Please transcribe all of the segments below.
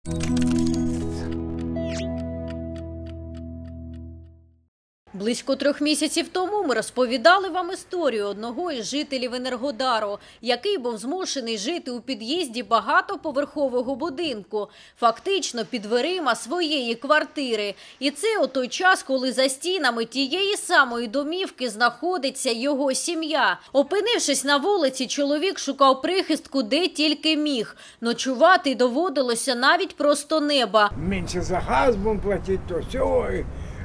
Близько 3 місяців тому ми розповідали вам історію одного із жителів Енергодару, який був змушений жити у під'їзді багатоповерхового будинку, фактично під дверима своєї квартири. І це у той час, коли за стінами тієї самої домівки знаходиться його сім'я. Опинившись на вулиці, чоловік шукав прихистку де тільки міг. Ночувати доводилося навіть просто неба. Менше за газ будем платить, то все.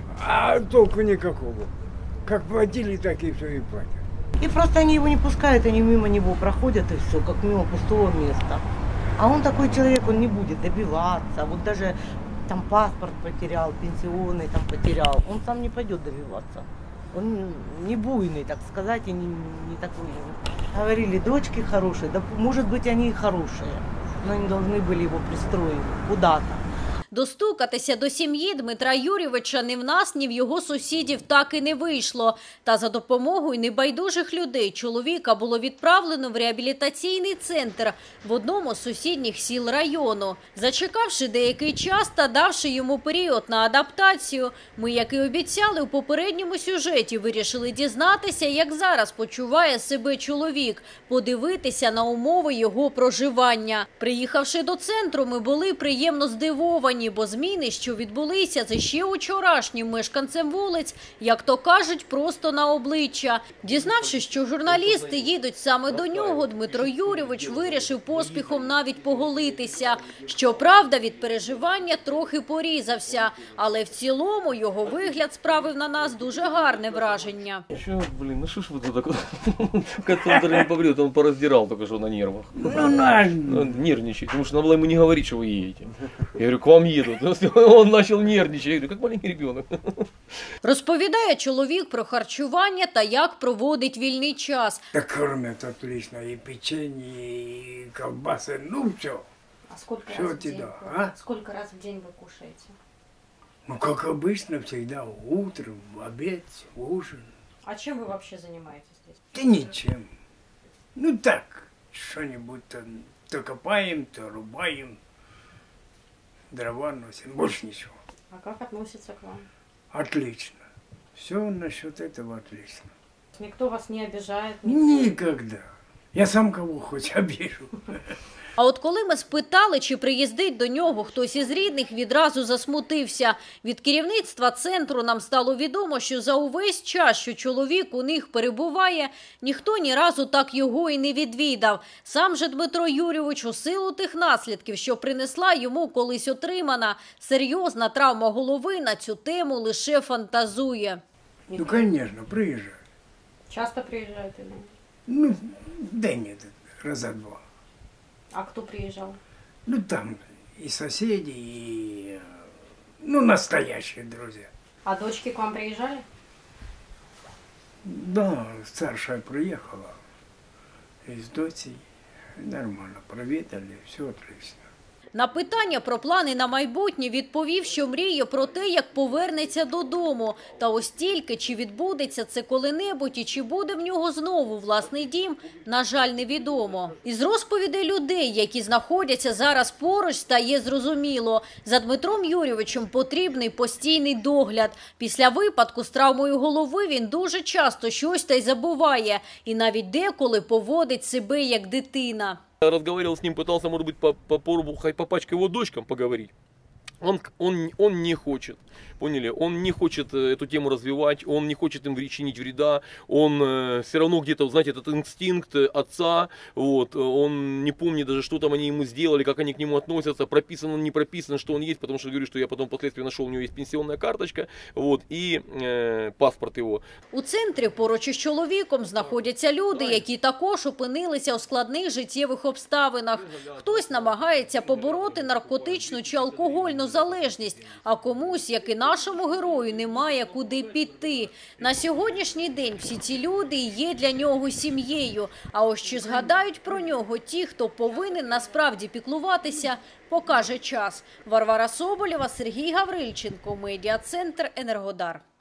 А толку никакого. Как платили, так и все и платят. И просто они его не пускают, они мимо него проходят и все, как мимо пустого места. А он такой человек, он не будет добиваться. Вот даже там паспорт потерял, пенсионный там потерял. Он сам не пойдет добиваться. Он не буйный, так сказать, и не такой. Говорили, дочки хорошие, да может быть они и хорошие, но они должны были его пристроить куда-то. Достукатися до сім'ї Дмитра Юрійовича ні в нас, ні в його сусідів так і не вийшло. Та за допомогою небайдужих людей чоловіка було відправлено в реабілітаційний центр в одному з сусідніх сіл району. Зачекавши деякий час та давши йому період на адаптацію, ми, як і обіцяли у попередньому сюжеті, вирішили дізнатися, як зараз почуває себе чоловік, подивитися на умови його проживання. Приїхавши до центру, ми були приємно здивовані, бо зміни, що відбулися за ще учорашнім мешканцем вулиць, як то кажуть, просто на обличчя. Дізнавшись, що журналісти їдуть саме до нього, Дмитро Юрійович вирішив поспіхом навіть поголитися. Щоправда, від переживання трохи порізався, але в цілому його вигляд справив на нас дуже гарне враження. Що, блін, ну що ж ви тут так? Кота не побрил, он пороздирал только что на нервах. Нервничает, потому что надо было ему не говорить, что вы едете. Я говорю, к вам едут. Он начал нервничать. Я говорю, как маленький ребенок. Розповідає чоловік про харчування та як проводить вільний час. Так кормят отлично, и печенье, и колбасы, ну все. А сколько Все раз в день? туда, а? Сколько раз в день вы кушаете? Ну, как обычно, всегда утром, в обед, ужин. А чем вы вообще занимаетесь здесь? Да ничем. Ну так, что-нибудь то копаем, то рубаем, дрова носим, больше ничего. А как относятся к вам? Отлично. Все насчет этого отлично. Никто вас не обижает? Никогда. Я сам кого хоть обижу. А от коли ми спитали, чи приїздить до нього хтось із рідних, відразу засмутився. Від керівництва центру нам стало відомо, що за увесь час, що чоловік у них перебуває, ніхто ні разу так його і не відвідав. Сам же Дмитро Юрійович у силу тих наслідків, що принесла йому колись отримана серйозна травма голови, на цю тему лише фантазує. Ну, конечно, приезжают. Часто приезжают или? Ну, да нет, раза два. А кто приезжал? Ну, там и соседи, и, ну, настоящие друзья. А дочки к вам приезжали? Да, старшая приехала из дочей. Нормально, проведали, все отлично. На питання про плани на майбутнє відповів, що мріє про те, як повернеться додому. Та ось тільки, чи відбудеться це коли-небудь і чи буде в нього знову власний дім, на жаль, невідомо. Із розповідей людей, які знаходяться зараз поруч, стає зрозуміло. За Дмитром Юрійовичем потрібний постійний догляд. Після випадку з травмою голови він дуже часто щось та й забуває. І навіть деколи поводить себе як дитина. Я разговаривал с ним, пытался, может быть, по пачке его дочкам поговорить. Он не хочет, поняли? Он не хочет эту тему развивать, он не хочет им причинить вреда, он все равно где-то, знаете, этот инстинкт отца, вот, он не помнит даже, что там они ему сделали, как они к нему относятся, прописано, не прописано, что он есть, потому что, говорю, что я потом впоследствии нашел, у него есть пенсионная карточка, вот, и паспорт его. У центрі поруч із чоловіком знаходяться люди, які також опинилися у складних життєвих обставинах. Хтось намагається побороти наркотичну чи алкогольну залежність, а комусь, як і нашому герою, немає куди піти. На сьогоднішній день всі ці люди є для нього сім'єю. А ось чи згадають про нього ті, хто повинен насправді піклуватися, покаже час. Варвара Соболєва, Сергій Гаврильченко, Медіа-центр «Енергодар».